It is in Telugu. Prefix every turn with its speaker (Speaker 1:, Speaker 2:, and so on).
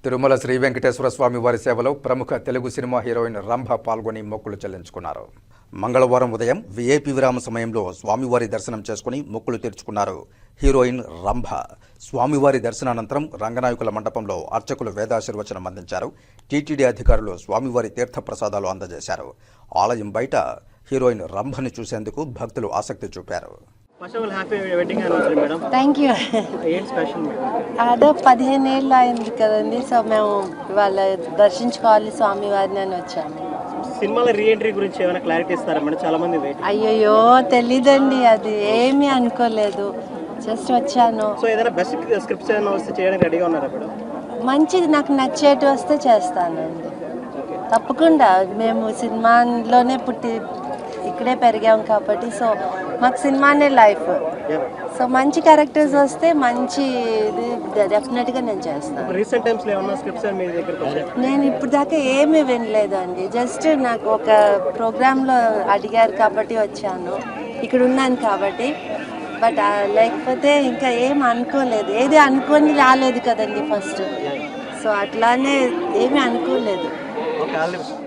Speaker 1: తిరుమల శ్రీ వెంకటేశ్వర స్వామి వారి సేవలో ప్రముఖ తెలుగు సినిమా హీరోయిన్ రంభ పాల్గొని మొక్కులు చెల్లించుకున్నారు. మంగళవారం ఉదయం వీఐపీ విరామ సమయంలో స్వామివారి దర్శనం చేసుకుని మొక్కులు తీర్చుకున్నారు. హీరోయిన్ రంభ స్వామివారి దర్శనానంతరం రంగనాయకుల మండపంలో అర్చకులు వేదాశీర్వచనం అందించారు. టీటీడీ అధికారులు స్వామివారి తీర్థ ప్రసాదాలు అందజేశారు. ఆలయం బయట హీరోయిన్ రంభని చూసేందుకు భక్తులు ఆసక్తి చూపారు.
Speaker 2: Thank you. అదే 15 ఏళ్ళు అయింది కదండి, సో మేము ఇవాళ దర్శించుకోవాలి స్వామివారిని అని వచ్చాము.
Speaker 3: సినిమాల రీఎంట్రీ గురించి ఏమైనా క్లారిటీ ఇస్తారా మేడం? చాలా మంది
Speaker 2: అయ్యో తెలీదండి, అది ఏమీ అనుకోలేదు, జస్ట్ వచ్చాను.
Speaker 3: సో ఏదైనా బెస్ట్ స్క్రిప్ట్స్ ఏమైనా వస్తే చేయడానికి రెడీగా ఉన్నారా మేడం?
Speaker 2: మంచిది, నాకు నచ్చేటి వస్తే చేస్తానండి తప్పకుండా. మేము సినిమాలోనే పుట్టి ఇక్కడే పెరిగాం కాబట్టి, సో మాకు సినిమానే లైఫ్. సో మంచి క్యారెక్టర్స్ వస్తే మంచి డెఫినెట్గా నేను చేస్తాను.
Speaker 3: రీసెంట్ టైమ్స్లో ఏమన్నా స్క్రిప్ట్స్ మీ దగ్గరకు వచ్చాయా?
Speaker 2: నేను ఇప్పుడు దాకా ఏమీ వినలేదండి, జస్ట్ నాకు ఒక ప్రోగ్రాంలో అడిగారు కాబట్టి వచ్చాను, ఇక్కడ ఉన్నాను కాబట్టి. బట్ లేకపోతే ఇంకా ఏం అనుకోలేదు, ఏది అనుకొని రాలేదు కదండి ఫస్ట్, సో అట్లానే ఏమీ అనుకోలేదు.